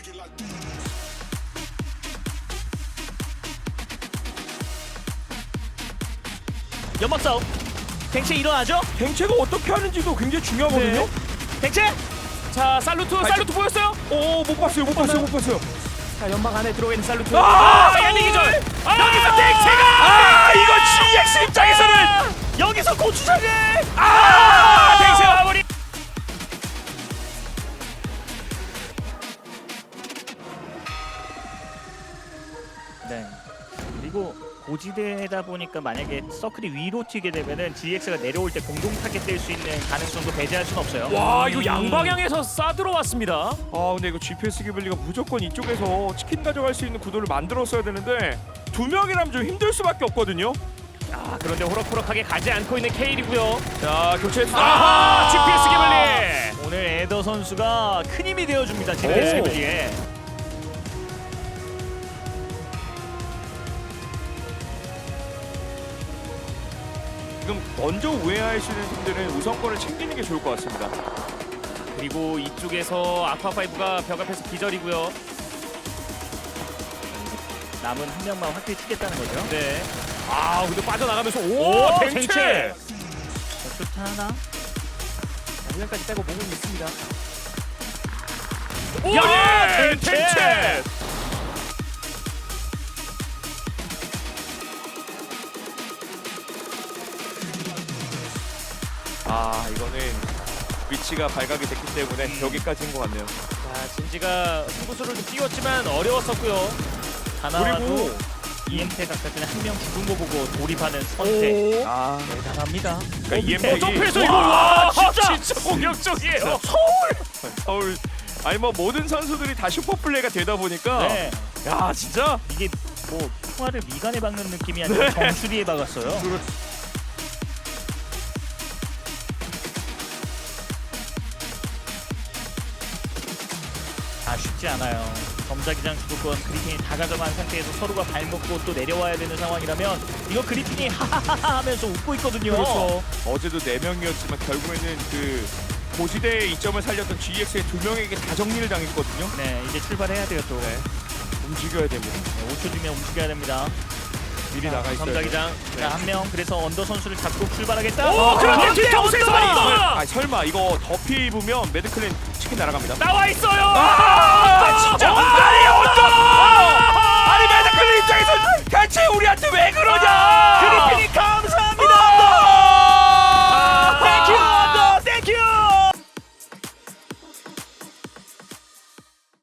연막 싸움. 댕체 일어나죠? 댕체가 어떻게 하는지도 굉장히 중요하거든요. 댕체. 자 살루트 보였어요? 오, 못 봤어요. 자 연막 안에 들어가 있는 살루트. 야미 기절. 여기서 댕체가. 이거 GX 입장에서는 여기서 고추장을. 댕체 마무리. 네. 그리고 고지대다 보니까 만약에 서클이 위로 튀게 되면은 GX가 내려올 때 공동 타겟 될 수 있는 가능성도 배제할 수는 없어요. 와 이거 양방향에서 쏴 들어왔습니다. 근데 이거 GPS 기블리가 무조건 이쪽에서 치킨 가져갈 수 있는 구도를 만들었어야 되는데 두 명이라면 좀 힘들 수밖에 없거든요. 그런데 호락호락하게 가지 않고 있는 케일이고요. 자, 교체했어. GPS 기블리. 오늘 에더 선수가 큰 힘이 되어줍니다. GPS 오. 기블리에. 지금 먼저 우회하시는 분들은 우선권을 챙기는 게 좋을 것 같습니다. 그리고 이쪽에서 아쿠아파이브가 벽 앞에서 기절이고요. 남은 한 명만 확실히 튀겠다는 거죠. 네. 근데 빠져나가면서 오 댕체. 좋다 하나. 우연까지 빼고 목은 있습니다. 야, 댕체. 이거는 위치가 발각이 됐기 때문에 여기까지인 것 같네요. 자 진지가 승부수를 좀 띄웠지만 어려웠었고요. 하나도 EMP 각각은 한 명 죽은 거 보고 돌입하는 선택. 대단합니다. 그러니까 EMP 점프해서 이거 와 진짜 공격적이에요. 서울 뭐 모든 선수들이 다 슈퍼 플레이가 되다 보니까 네. 야, 진짜 이게 뭐 총알을 미간에 박는 느낌이 아니라 정수리에 박았어요. 쉽지 않아요. 점자기장 주도권 그리핀이 다 가져간 상태에서 서로가 발먹고 또 내려와야 되는 상황이라면 이거 그리핀이 하하하하 하면서 웃고 있거든요. 그렇죠. 어제도 4명이었지만 결국에는 그 고지대의 이점을 살렸던 GX의 2명에게 다 정리를 당했거든요. 네, 이제 출발해야 돼요 또. 네. 움직여야 됩니다. 네, 5초 뒤면 움직여야 됩니다. 미리 나가 있어요. 점자기장. 자, 한 명 그래서 언더 선수를 잡고 출발하겠다. 그런데 뒤통수에서 언더! 맞았어. 설마 이거 더피 입으면 매드클랜 치킨 날아갑니다. 나와 있어요.